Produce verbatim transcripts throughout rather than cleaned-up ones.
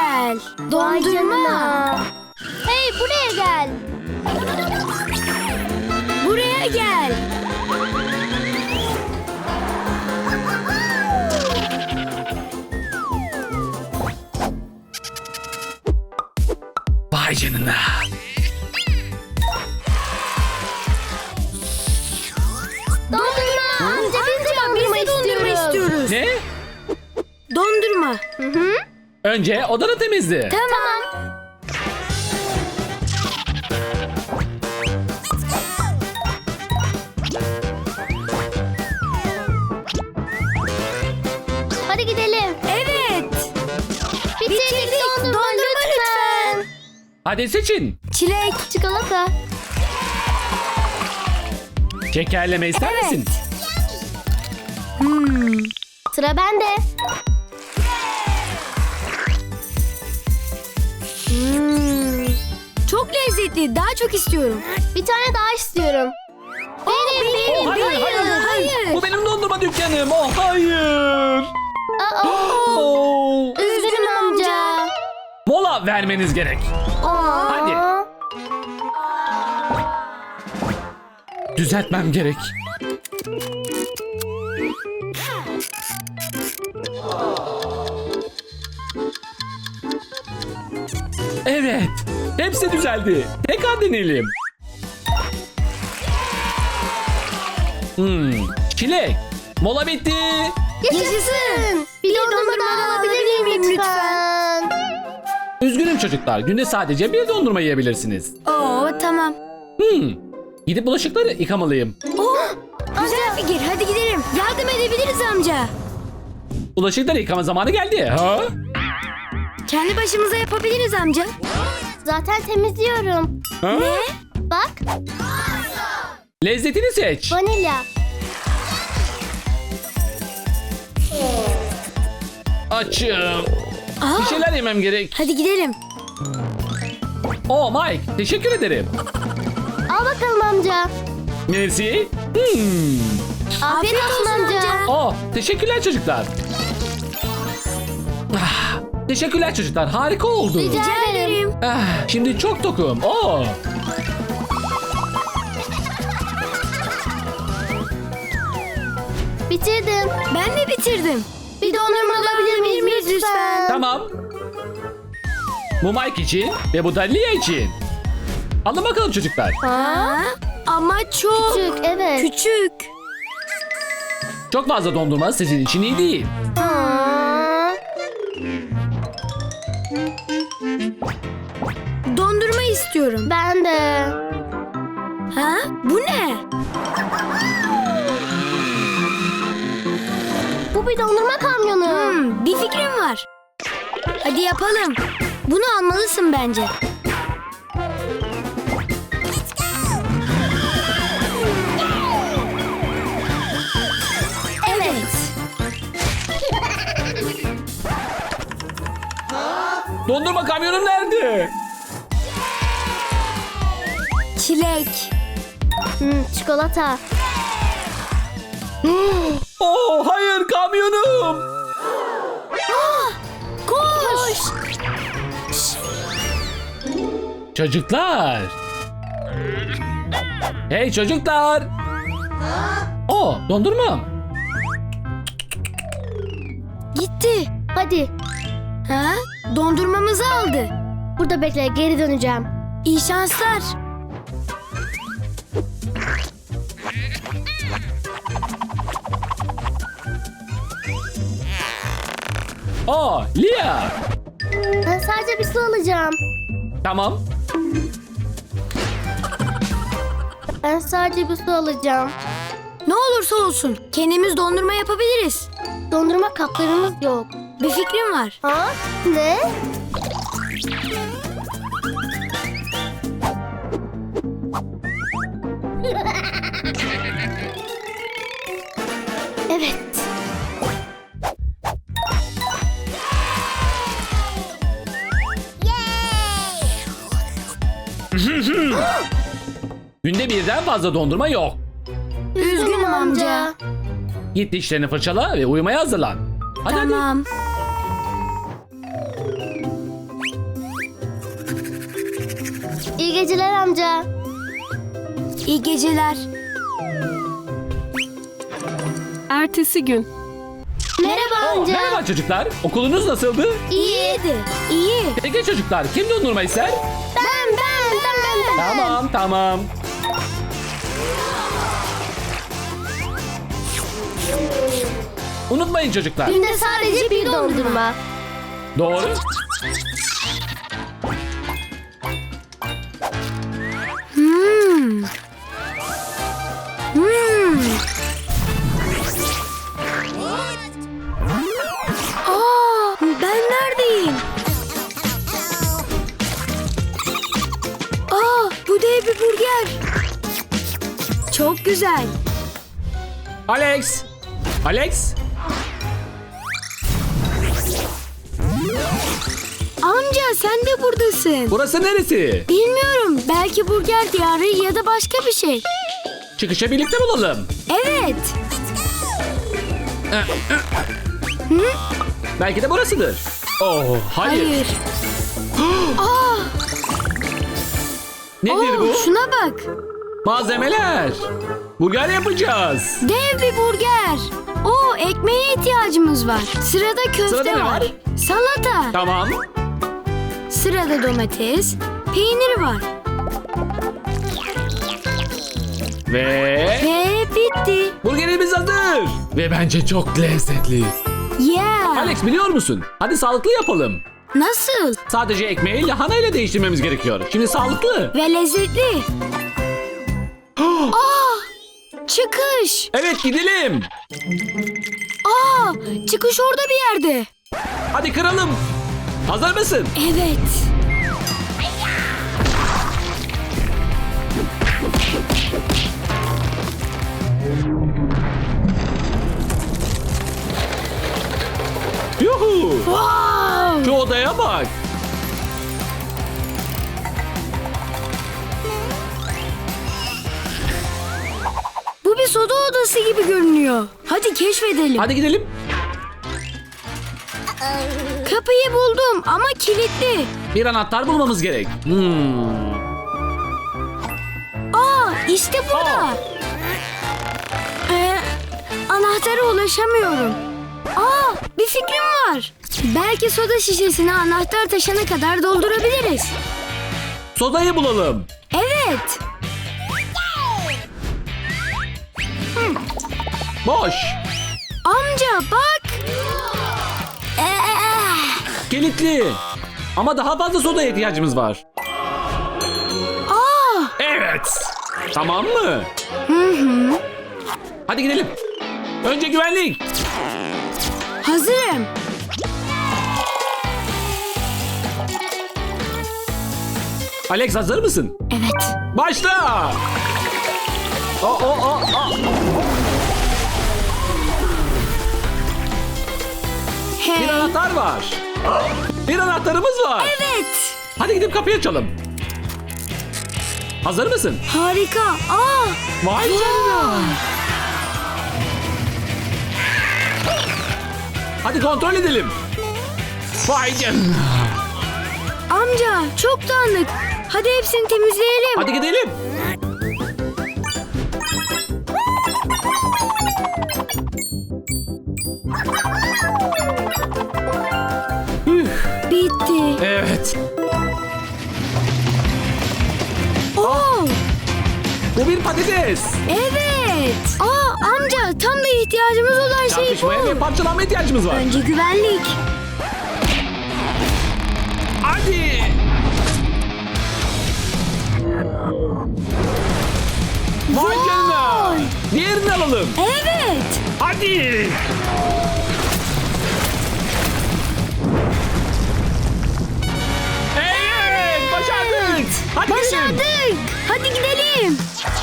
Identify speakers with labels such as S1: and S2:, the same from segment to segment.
S1: güzel. Dondurma.
S2: Hey, buraya gel.
S1: Buraya gel.
S3: Vay canına.
S2: Dondurma. Amca biz de dondurma,
S1: Biz de dondurma istiyoruz.
S3: Ne?
S1: Dondurma.
S2: Hı hı.
S3: Önce odanı temizle.
S1: Tamam.
S2: Hadi gidelim.
S1: Evet.
S2: Bitirdik,
S1: Bitirdik.
S2: dondurma,
S1: Dondurma
S2: lütfen.
S3: Hadi seçin.
S1: Çilek.
S2: Çikolata.
S3: Şekerleme ister
S1: Evet.
S3: misin?
S1: Hmm.
S2: Sıra bende.
S1: Hmm. Çok lezzetli. Daha çok istiyorum.
S2: Bir tane daha istiyorum. Benim, benim.
S3: Oh, hayır, hayır, hayır,
S1: hayır.
S3: Bu benim dondurma dükkanım. Oh hayır.
S2: Aa,
S3: Oh.
S2: üzgünüm amca.
S3: Mola vermeniz gerek.
S2: Aa.
S3: Hadi. Düzeltmem gerek. Evet. Hepsi düzeldi. Tekrar deneyelim. Hmm. Çilek. Mola bitti.
S2: Yaşasın. Bir dondurma daha alabilir miyim lütfen?
S3: Üzgünüm çocuklar. Günde sadece bir dondurma yiyebilirsiniz.
S1: Oo, tamam.
S3: Hmm. Gidip bulaşıkları yıkamalıyım.
S1: Oh, güzel fikir. Hadi gidelim. Yardım edebiliriz amca.
S3: Bulaşıkları yıkama zamanı geldi. Ha?
S1: Kendi başımıza yapabiliriz amca.
S2: Zaten temizliyorum.
S3: Ha?
S1: Ne?
S2: Bak,
S3: Lezzetini seç.
S2: vanilya.
S3: Açım.
S1: Aa,
S3: Bir şeyler yemem gerek.
S1: hadi gidelim.
S3: Oh Mike, teşekkür ederim.
S2: Al bakalım amca.
S3: Merci. Hmm.
S2: Afiyet olsun amca.
S3: Oh, teşekkürler çocuklar. Ah, teşekkürler çocuklar. Harika oldu.
S2: Rica
S1: Rica
S2: ederim.
S1: ederim.
S3: Ah, şimdi çok tokum. Oh.
S2: Bitirdim.
S1: Ben de bitirdim.
S2: Bir dondurma alabilir miyiz lütfen?
S3: Tamam. Bu Mike için ve bu da Lia için. Alın bakalım çocuklar.
S2: Ha?
S1: Ama çok
S2: Küçük, evet.
S1: küçük.
S3: Çok fazla dondurma sizin için iyi değil.
S2: Aa.
S1: Dondurma istiyorum.
S2: Ben de.
S1: Ha? Bu ne?
S2: Bu bir dondurma kamyonu.
S1: Hmm, bir fikrim var. Hadi yapalım. Bunu almalısın bence. Evet.
S3: Dondurma kamyonum nerede?
S1: Çilek.
S2: Hmm, çikolata.
S3: Oh hayır kamyonum.
S1: Koş.
S3: Çocuklar. Hey çocuklar. Oh dondurmam.
S1: Gitti.
S2: Hadi.
S1: Ha? Dondurmamızı aldı.
S2: Burada bekle, geri döneceğim.
S1: İyi şanslar.
S3: Oh Lia.
S2: Ben sadece bir su alacağım.
S3: Tamam.
S2: Ben sadece bir su alacağım.
S1: Ne olursa olsun kendimiz dondurma yapabiliriz.
S2: Dondurma kaplarımız yok.
S1: Bir fikrim var.
S2: Ha? Ne? Evet.
S3: Günde birden fazla dondurma yok.
S1: Üzgünüm amca.
S3: Git dişlerini fırçala ve uyumaya hazırlan. Hadi hadi.
S1: Tamam.
S2: İyi geceler amca.
S1: İyi geceler.
S4: Ertesi gün.
S2: Merhaba
S3: Oo,
S2: amca.
S3: merhaba çocuklar. Okulunuz nasıldı?
S1: İyiydi. İyi.
S3: Peki çocuklar, kim dondurma ister?
S2: Ben ben ben ben ben.
S3: Tamam, tamam. Unutmayın çocuklar.
S2: Günde sadece bir dondurma.
S3: Doğru.
S1: Hmm. Hmm. Aa, ben neredeyim? Aa, bu dev bir burger. Çok güzel.
S3: Alex. Alex.
S1: Amca sen de buradasın.
S3: Burası neresi?
S1: Bilmiyorum. Belki burger diyarı ya da başka bir şey.
S3: Çıkışa birlikte bulalım.
S1: Evet.
S3: Belki de burasıdır. Oh, hayır.
S1: Hayır. Aa,
S3: Nedir
S1: oo,
S3: bu?
S1: şuna bak.
S3: Malzemeler. Burger yapacağız.
S1: Dev bir burger. Oo, ekmeğe ihtiyacımız var. Sırada köfte
S3: Sırada ne var?
S1: Salata.
S3: Tamam.
S1: Sırada domates. Peyniri var.
S3: Ve
S1: Ve bitti.
S3: burgerimiz hazır. Ve bence çok lezzetli.
S1: Yeah.
S3: Alex biliyor musun? Hadi sağlıklı yapalım.
S1: Nasıl?
S3: Sadece ekmeği lahanayla değiştirmemiz gerekiyor. Şimdi sağlıklı.
S1: Ve lezzetli. Aa, çıkış.
S3: Evet gidelim.
S1: Aa, çıkış orada bir yerde.
S3: Hadi kıralım. Hazır mısın?
S1: Evet.
S3: Yuhu.
S1: Wow.
S3: Şu odaya bak.
S1: Bu bir soda odası gibi görünüyor. Hadi keşfedelim.
S3: Hadi gidelim.
S1: Kapıyı buldum ama kilitli.
S3: Bir anahtar bulmamız gerek. Hmm.
S1: Aa, işte burada.
S3: Aa.
S1: Ee, anahtara ulaşamıyorum. Aa, bir fikrim var. Belki soda şişesini anahtar taşana kadar doldurabiliriz.
S3: Sodayı bulalım.
S1: Evet.
S3: Boş.
S1: Amca bak. Ee,
S3: Kilitli. Ama daha fazla sodaya ihtiyacımız var.
S1: aa,
S3: Evet. Tamam mı? Hadi gidelim. Önce güvenlik.
S1: hazırım.
S3: Alex hazır mısın?
S1: Evet.
S3: Başla. O o o o. Bir
S1: Hey.
S3: anahtar var. Bir anahtarımız var.
S1: Evet.
S3: Hadi gidip kapıyı açalım. Hazır mısın?
S1: Harika. Aa,
S3: Vay canına. Hadi kontrol edelim. Vay canına.
S1: amca çok dağınık. Hadi hepsini temizleyelim.
S3: Hadi gidelim. Üf,
S1: Bitti.
S3: evet.
S1: Oo,
S3: Bu bir patates.
S1: evet. Aa, amca tam da ihtiyacımız olan şey
S3: Çarpışmaya ve
S1: bu.
S3: parçalanma ihtiyacımız var.
S1: Önce güvenlik.
S3: Hadi. Vay canına. Diğerini alalım.
S1: Evet.
S3: Hadi. Evet, başardık. Hadi gidelim.
S1: Başardık. Hadi gidelim.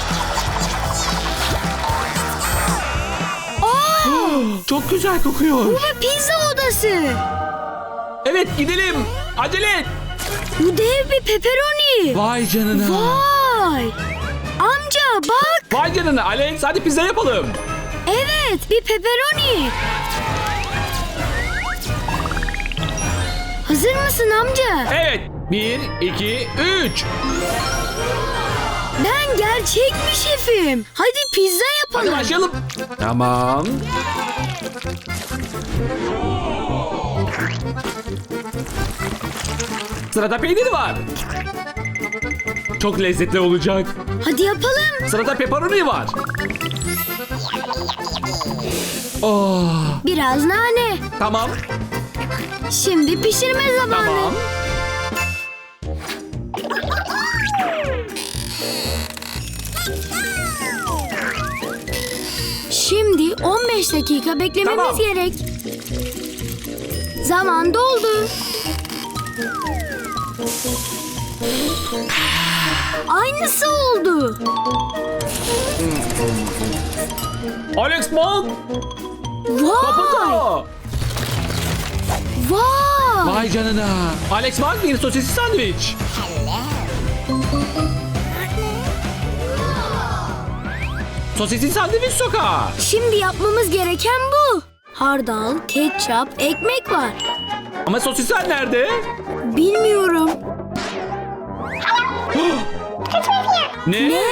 S1: Aa,
S3: Çok güzel kokuyor.
S1: bu bir pizza odası.
S3: Evet, gidelim. Acele et.
S1: Bu dev bir pepperoni.
S3: Vay canına.
S1: Vay. Amca bak.
S3: Vay canına Alex, hadi pizza yapalım.
S1: Evet, bir pepperoni. Hazır mısın amca?
S3: Evet. Bir, iki, üç.
S1: Ben gerçek bir şefim. Hadi pizza
S3: Hadi
S1: yapalım.
S3: başlayalım. Tamam. Sırada peynir var. Çok lezzetli olacak.
S1: Hadi yapalım.
S3: Sırada pepperoni var. Oh,
S1: Biraz nane.
S3: tamam,
S1: Şimdi pişirme zamanı.
S3: tamam.
S1: Şimdi on beş dakika beklememiz
S3: Tamam.
S1: gerek. Zaman doldu. Aynısı oldu.
S3: Alex Monk,
S1: Vay!
S3: kapıda.
S1: Vay!
S3: Vay canına. Alex Monk bir sosisli sandviç. Sosisli sandviç sokağı.
S1: Şimdi yapmamız gereken bu. Hardal, ketçap, ekmek var.
S3: Ama sosisler nerede?
S1: Bilmiyorum.
S3: Ne?
S1: Ne?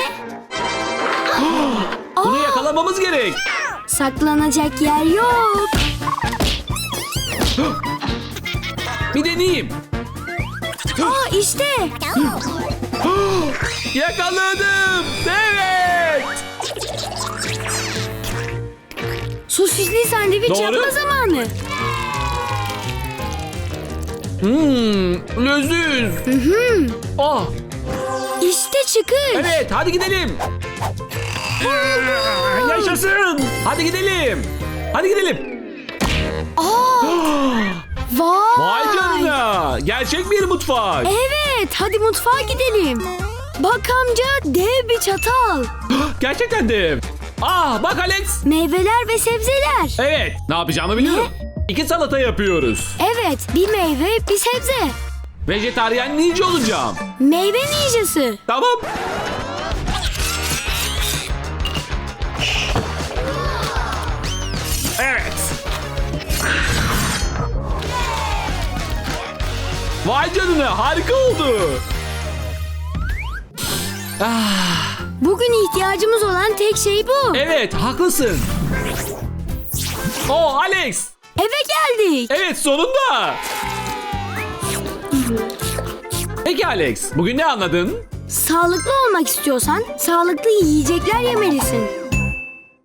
S3: Bunu yakalamamız gerek.
S1: Saklanacak yer yok.
S3: Bir deneyeyim.
S1: Aa işte.
S3: Yakaladım. Evet.
S1: Sosisli sandviç
S3: Doğru.
S1: yapma zamanı.
S3: Hmm, leziz. Oh,
S1: İşte çıkış.
S3: evet, hadi gidelim. Yaşasın. Hadi gidelim. Hadi gidelim.
S1: Vay.
S3: Vay canına. Gerçek bir mutfak.
S1: Evet, hadi mutfağa gidelim. Bak amca, dev bir çatal.
S3: Gerçekten de. Ah, bak Alex.
S1: Meyveler ve sebzeler.
S3: Evet, ne yapacağımı biliyorum. İki salata yapıyoruz.
S1: Evet, bir meyve, bir sebze.
S3: Vejetaryen ninja olacağım.
S1: Meyve ninjası.
S3: Tamam. Evet. Vay canına, harika oldu. Ah,
S1: Bugün ihtiyacımız olan tek şey bu.
S3: evet, haklısın. Oh, Alex.
S1: Eve geldik.
S3: Evet, sonunda. Peki Alex, bugün ne anladın?
S1: Sağlıklı olmak istiyorsan sağlıklı yiyecekler yemelisin.